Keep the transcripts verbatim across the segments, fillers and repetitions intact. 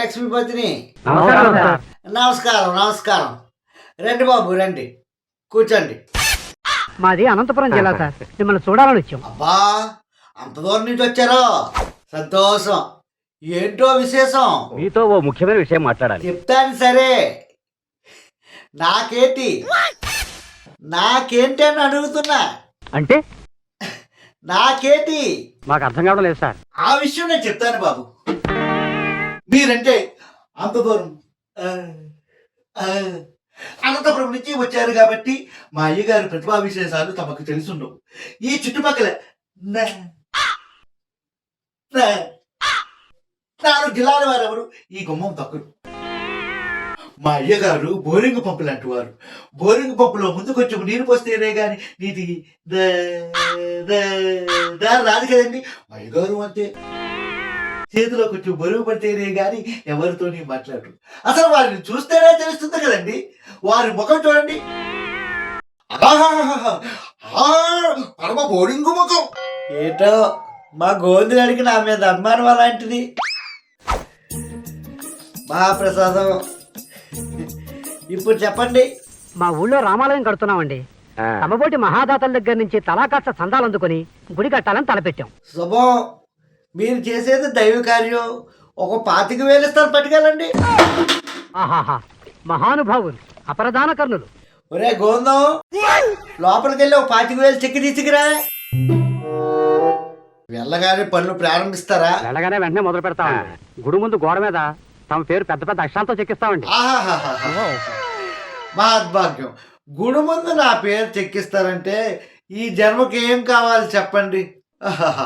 లక్ష్మీపతిని. నమస్కారం సార్. నమస్కారం నమస్కారం. రండి బాబు రండి, కూర్చోండి. మాది అనంతపురం జిల్లా సార్. మిమ్మల్ని చూడాలని వచ్చాం. అబ్బా, అంత దూరం నుంచి వచ్చారో సంతోషం. ఏంటో విశేషం? మీతో ఓ ముఖ్యమైన విషయం మాట్లాడాలి. చెప్తాను సరే. నాకేంటి నాకేంటి అని అడుగుతున్నా. అంటే నాకేంటి మాకు అర్థం కావడం లేదు సార్. ఆ విషయం నేను చెప్తాను బాబు. మీరంటే అంత దూరం ఆ, ఆ, అనంతపురం నుంచి వచ్చారు కాబట్టి మా అయ్యగారి ప్రతిభా విశేషాలు తమకు తెలుసుండవు. ఈ చుట్టుపక్కల నా- నా- నాలుగు జిల్లాల వారెవరు ఈ గుమ్మం తక్కువ. మా అయ్యగారు బోరింగ్ పంపు లాంటి వారు. బోరింగ్ పంపులో ముందు కొంచెం నీరు పోస్తేనే గాని నీటి దారి రాదు కదండి. మా అయ్యగారు అంతే, చేతిలో కొంచెం బరువు పడితేనే గాని ఎవరితోని మాట్లాడరు. అసలు వారిని చూస్తేనే తెలుస్తుంది కదండి. వారి ముఖం చూడండి, ఆహాహాహా, ఆ పరమ బోరింగు ముఖం. ఏటో మా గోందుగాడికి నా మీద అభిమానం అలాంటిది. మహాప్రసాదం. ఇప్పుడు చెప్పండి. మా ఊళ్ళో రామాలయం కడుతున్నామండి. ఆ, తమబోటి మహాదాతల దగ్గర నుంచి తలాకాస్త సందాలు అందుకొని గుడి కట్టాలని తలపెట్టాం. శుభం. మీరు చేసేది దైవ కార్యం. ఒక పాతిక వేలు ఇస్తారు, పట్టుకెళ్ళండి. ఆహాహా, మహానుభావులు, అపరదాన కర్ణులు. ఒరే గోందం, లోపలికి వెళ్ళి ఒక పాతిక వేలు చెక్కి తీసుకురా. వెళ్ళగానే పనులు ప్రారంభిస్తారా? వెళ్ళగానే వెంటనే మొదలు పెడతామండి. గుడి ముందు గోడ మీద తమ పేరు పెద్ద పెద్ద అక్షరాలతో చెక్కిస్తామండి. ఆహాహాహా. మహద్భాగ్యం. గుడి ముందు నా పేరు చెక్కిస్తారంటే ఈ జన్మకి ఏం కావాలి చెప్పండి. ఆహాహాహా.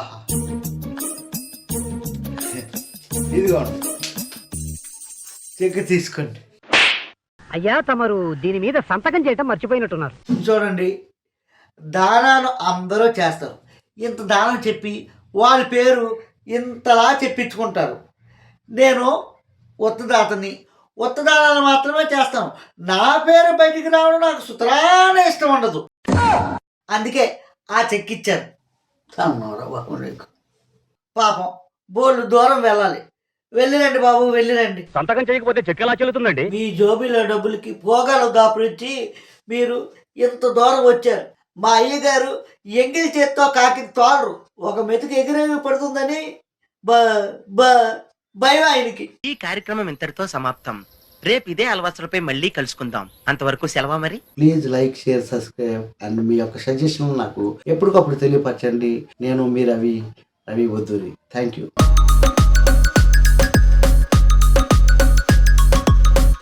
ఇదిగోండి, చెక్కి తీసుకోండి. అయ్యా, తమరు దీని మీద సంతకం చేయటం మర్చిపోయినట్టున్నారు. చూడండి, దానాలు అందరూ చేస్తారు. ఇంత దానం చెప్పి వాళ్ళ పేరు ఇంతలా చెప్పించుకుంటారు. నేను ఉత్తదాతని, ఉత్తదానాలు మాత్రమే చేస్తాను. నా పేరు బయటికి రావడం నాకు సుతరాన ఇష్టం ఉండదు. అందుకే ఆ చెక్కిచ్చాను. అన్నారా బాబు నీకు? పాపం బోళ్ళు దూరం వెళ్ళాలి. వెళ్ళిరండి బాబు, వెళ్ళిరండి. సంతకం చేయకపోతే చెక్ ఎలా చెల్లుతుందండి? మీ జోబీలో డబ్బులకి పోగాలు దాపురించి మీరు ఇంత దూరం వచ్చారు. మా అయ్యగారు ఎంగిలి చేత్తో కాకి తోలరు. ఒక మెతుకు ఎగిరేగి పడుతుందని బ బ భయం ఆయనకి. ఈ కార్యక్రమం ఇంతటితో సమాప్తం. రేపు ఇదే అలవాసులపై మళ్ళీ కలుసుకుందాం. అంతవరకు సెలవా మరి. Please like, share, subscribe and మీ యొక్క సజెషన్ నాకు ఎప్పటికప్పుడు తెలియపరచండి. నేను మీ రవి రవి వద్దూరి. Thank you.